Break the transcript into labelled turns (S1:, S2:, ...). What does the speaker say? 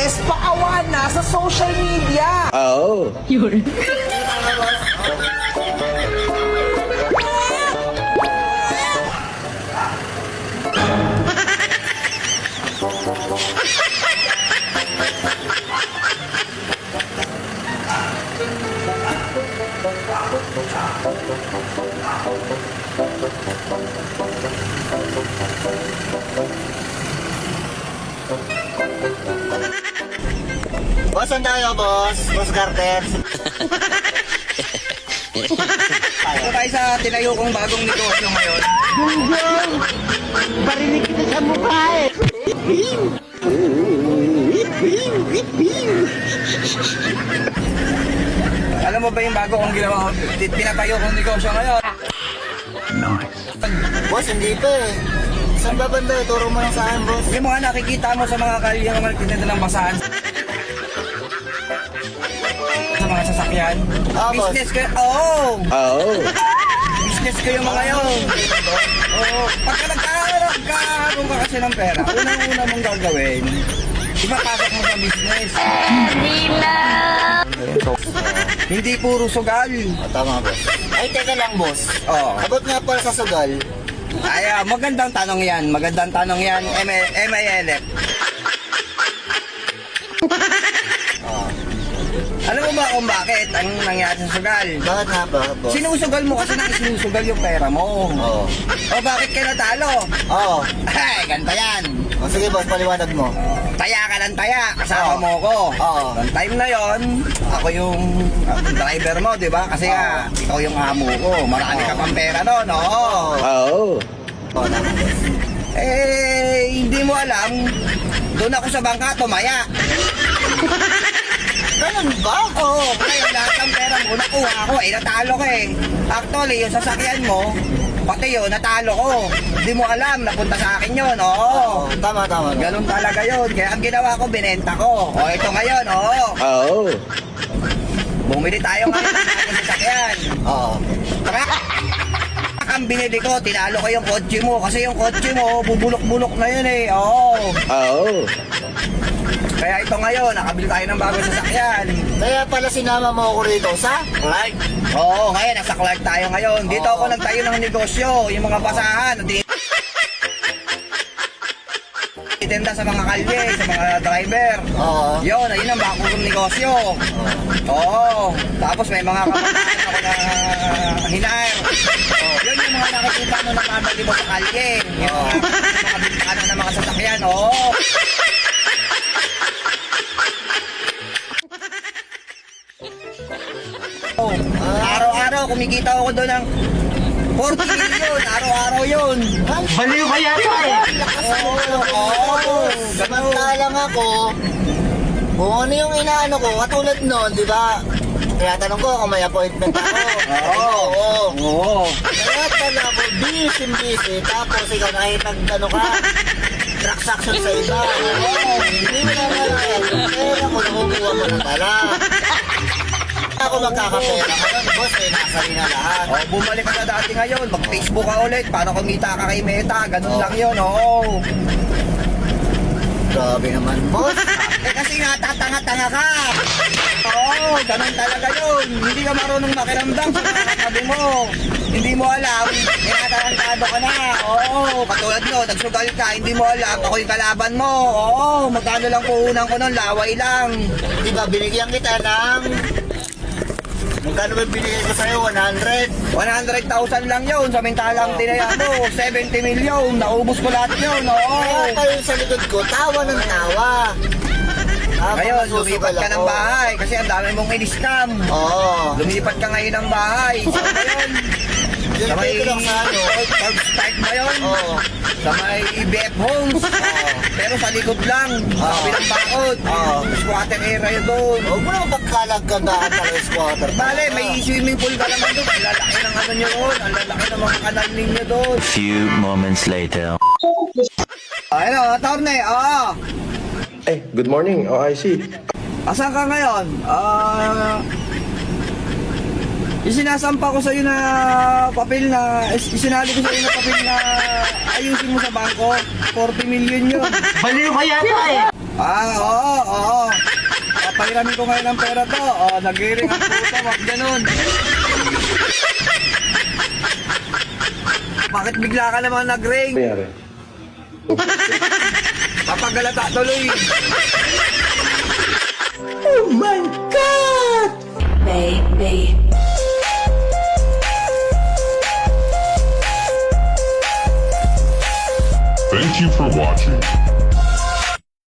S1: business, paawa na sa social media.
S2: Oh.
S3: Yun.
S4: Boss, saan tayo, boss? Boss Carter.
S1: Ito tayo sa tinayo kong bagong negosyo ngayon.
S4: Gunggong! Barinig kita sa mukha eh.
S1: Alam mo ba yung bago kong ginawa, pinatayo kong negosyo ngayon?
S4: Boss, hindi pa eh. Saan ba banda? Turo mo lang sa akin, boss.
S1: Yung mga nakikita mo sa mga kalye, yung mga nagtitinda ng basahan. Sa mga sasakyan.
S4: Ah, boss.
S1: Business ko, oh! Business ko yung mga yun. Oo. Pagka nagkakaroon ka kasi ng pera, unang-una mong gagawin, ipapasok mo sa business. Hindi puro sugal.
S4: Tama, boss. Ay, teka lang, boss.
S1: Oo.
S4: Abot nga pala sa sugal.
S1: Ay, magandang tanong yan. Magandang tanong yan. MILF. Alam mo ba kung bakit ang nangyari sa sugal?
S4: Bakit nga ba, boss?
S1: Sinusugal mo kasi nang sinusugal yung pera mo.
S4: Oo.
S1: O bakit ka natalo?
S4: Oo.
S1: Ay, ganito yan.
S4: O sige, boss, paliwanag mo.
S1: Taya ka ng taya, kasama
S4: Oo.
S1: mo ko.
S4: Oo.
S1: Noong time na yon, ako yung driver mo, di ba? Kasi nga, ikaw yung amo ko. Marami ka pang pera noon, oo.
S2: Oh.
S4: Oo, tama, boss.
S1: Hindi mo alam, doon ako sa bangka, tumaya.
S4: Ganun ba?
S1: Oo, ngayon lahat ng pera mo, nakuha ko, natalo ko eh. Actually, yung sasakyan mo, pati yun, natalo ko. Hindi mo alam, napunta sa akin yun, oo.
S4: Tama, tama.
S1: Ganun talaga yun. Kaya ang ginawa ko, binenta ko. O, ito ngayon, oo.
S2: Oh.
S1: Bumili tayo ngayon ng ating sasakyan.
S4: Oo.
S1: Kaya, ang binili ko, tinalo ko yung kotse mo. Kasi yung kotse mo, bubulok-bulok na yun eh. Oo.
S2: Oh.
S1: Kaya ito ngayon, nakabili tayo ng bagong sasakyan.
S4: Kaya pala sinama mo ako rito sa Clark.
S1: Oo, ngayon, nasa Clark tayo ngayon. Dito ako nagtayo ng negosyo. Yung mga basahan, itinda sa mga kalye, sa mga driver.
S4: Oo.
S1: Yun, ayun ang bago kong negosyo. Oo. Tapos may mga kapatid ako na hinair. Yun yung mga nakikita mo na mabali mo sa kalye. Yung mga bintana ng mga sasakyan. Oo. Araw-araw, kumikita ako doon ng 40 million. Araw-araw yun.
S4: Baliw ka yata eh.
S1: Oo.
S4: Samantalang ako, kung ano yung inaano ko, katulad nun, di ba? Kaya tanong ko kung may appointment ako. Oo.
S1: Oo.
S4: Kaya pala ako, busy. Tapos ikaw nakipag-ano ka, transaction sa iba. Oo. Hindi mo naman yung pera ko, nakukuha mo na pala. Ako magkakapera ngayon, boss, eh, nasa rin na lahat.
S1: Oh, bumalik ka na dati ngayon. Mag-Facebook ka ulit. Paano kumita ka kay Meta? Ganun lang yun, oo.
S4: Grabe naman, boss.
S1: Kasi nga, tatanga-tanga ka. Oo, ganun talaga yun. Hindi ka marunong makiramdam sa mga katabi mo. Hindi mo alam, tinatarantado ka na. Oo, katulad no, nagsugal ka, hindi mo alam, ako yung kalaban mo. Oo, magkano lang puhunan ko nun, laway lang.
S4: Di ba, binigyan kita ng... Magkano ba binigay ko sa'yo? 100?
S1: 100,000 lang yun, samantalang tinaya mo, 70 million, naubos ko lahat yun, oo.
S4: Kaya pa yun sa likod ko, tawa ng tawa.
S1: Ngayon, lumipat ka ng bahay kasi ang dami mong in-scam.
S4: Oo.
S1: Lumipat ka ngayon ng bahay. So ngayon,
S4: Yung
S1: sa may
S4: pay ko lang sa ano.
S1: start ba yun?
S4: Oo.
S1: Sa may BF Homes. Pero sa likod lang. Sa kabilang bakod. Squatter area yun doon.
S4: Huwag mo naman pagkalagandaan pala yung squatter.
S1: Bale, may swimming pool ka naman doon. Ang lalaki ng ano nyo doon. Ang lalaki ng mga kanal ninyo doon.
S5: Few moments later.
S1: Ano, Torne, oo.
S2: Eh, good morning, OIC.
S1: Asan ka ngayon? Isinasampa ko sa iyo na papel na isinali ko sa iyo na papel na ayusin mo sa bangko. 40 million yun.
S4: Baliw ka yata eh.
S1: Oo. Papahiramin ko ngayon ang pera to. Nag-iring ang puta, wag ganun. Bakit bigla ka naman nag-ring?
S2: Nangyari?
S1: Papagalata tuloy.
S3: Baby.
S6: Thank you for watching.